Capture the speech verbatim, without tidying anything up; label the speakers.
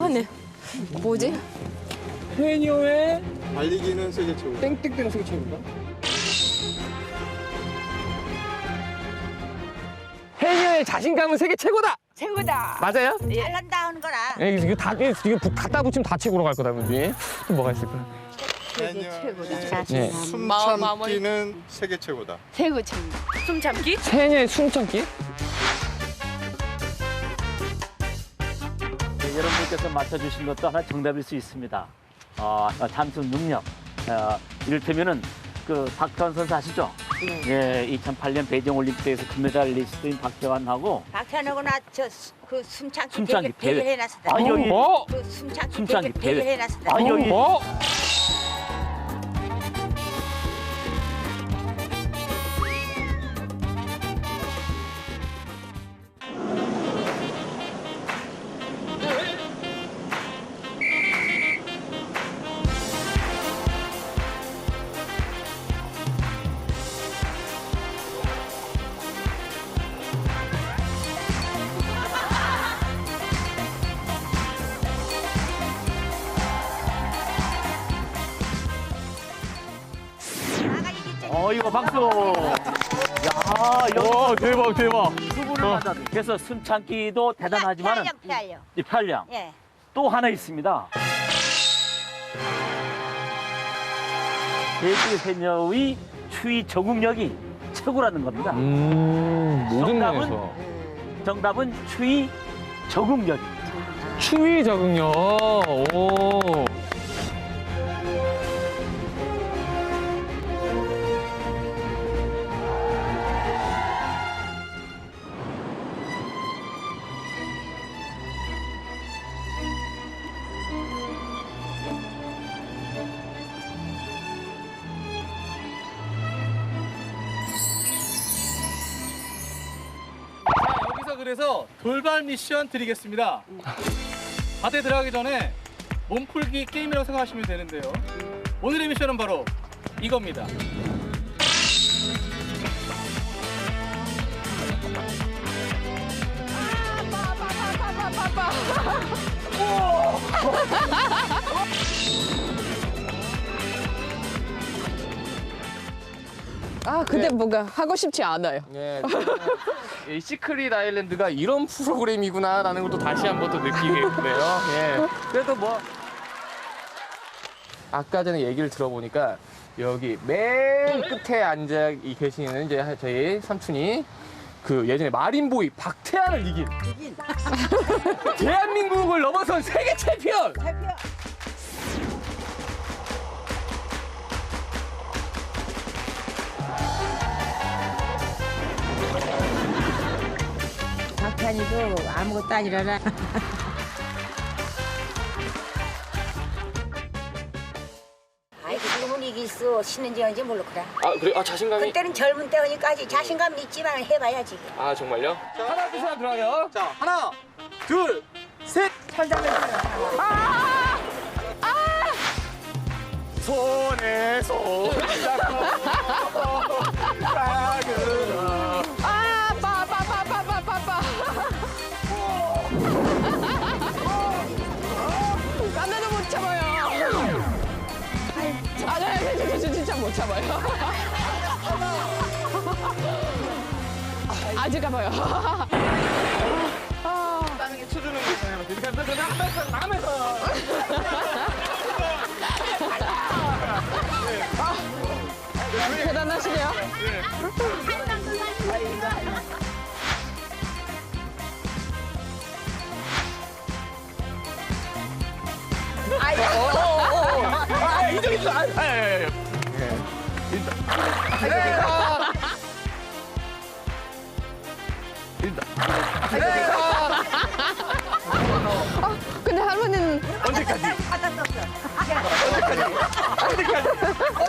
Speaker 1: 이상하네. 뭐지?
Speaker 2: 해녀의
Speaker 3: 달리기는 세계 최고.
Speaker 2: 땡땡땡 세계 최고인가? 해녀의 자신감은 세계 최고다.
Speaker 4: 최고다.
Speaker 2: 맞아요?
Speaker 4: 잘난다 하는 거라.
Speaker 2: 예, 이거 다 이거 부- 갖다 붙이면 다 최고로 갈 거다 문제. 또 뭐가 있을까?
Speaker 4: 세계 최고다.
Speaker 2: 네.
Speaker 3: 숨
Speaker 1: 마음, 마무리.
Speaker 3: 참기는 세계 최고다.
Speaker 4: 최고 최고.
Speaker 1: 숨 참기?
Speaker 2: 해녀의 숨참기?
Speaker 5: 네, 여러분께서 맞춰주신 것도 하나 정답일 수 있습니다. 어, 잠수 능력. 어, 이를테면은 그 박태환 선수 아시죠?
Speaker 4: 네.
Speaker 5: 예, 이천팔 년 베이징 올림픽에서 금메달리스트인 박태환하고
Speaker 4: 박찬호고 나저그 숨참기,
Speaker 5: 숨참기
Speaker 4: 대회,
Speaker 5: 대회.
Speaker 4: 대회 해놨었다.
Speaker 5: 아, 여기
Speaker 2: 어?
Speaker 4: 그 숨참기,
Speaker 5: 숨참기
Speaker 4: 대회, 대회
Speaker 5: 대회.
Speaker 4: 해놨었다.
Speaker 5: 아, 여기
Speaker 2: 어?
Speaker 4: 나가 이겼지.
Speaker 5: 어, 이거 박수. 야, 여기
Speaker 2: 와 대박 대박.
Speaker 5: 두 분을 맞아. 그래서 숨참기도 대단하지만
Speaker 4: 피하려, 피하려.
Speaker 5: 이 편량.
Speaker 4: 예.
Speaker 5: 또 하나 있습니다. 대구 해녀의 추위 적응력이 최고라는 겁니다.
Speaker 2: 음 모든
Speaker 5: 정답은?
Speaker 2: 면에서
Speaker 5: 정답은 추위 적응력입니다.
Speaker 2: 추위 적응력. 오.
Speaker 6: 자, 여기서 그래서 돌발 미션 드리겠습니다. 바다에 들어가기 전에 몸풀기 게임이라고 생각하시면 되는데요. 오늘의 미션은 바로 이겁니다.
Speaker 1: 아, 근데 뭔가 하고 싶지 않아요.
Speaker 2: 예, 이 시크릿 아일랜드가 이런 프로그램이구나라는 것도 다시 한번 또 느끼겠고요. 예. 그래도 뭐 아까 전에 얘기를 들어보니까 여기 맨 끝에 앉아 계시는 이제 저희 삼촌이 그 예전에 마린보이 박태환을 이긴 대한민국을 넘어선 세계 챔피언.
Speaker 4: 박찬이도 아무것도 아니라나. 아이고 지금은 이길 수 쉬는지 언제 모르구나.
Speaker 2: 아 그래? 아 자신감이?
Speaker 4: 그때는 젊은 때니까지 자신감 있지만 해봐야지.
Speaker 2: 아 정말요? 하나 둘 셋 들어가요.
Speaker 6: 자, 하나, 둘, 셋.
Speaker 2: 손에 손 잡고 가그라.
Speaker 1: 아, 빠, 빠, 빠, 빠, 빠, 빠, 빠. 하나도 못 참아요. 아, 네, 네, 네, 진짜 못 참아요. 아직 가봐요.
Speaker 2: 땅에 쳐주는 거 있잖아요. 이렇게 하면서 나가면서.
Speaker 1: 대단하시네요.
Speaker 2: 아, 이쪽 있어. 아, 아, 아, 아.
Speaker 1: 근데 할머니는
Speaker 2: 언제까지?
Speaker 4: 받았었어.
Speaker 2: 언제까지?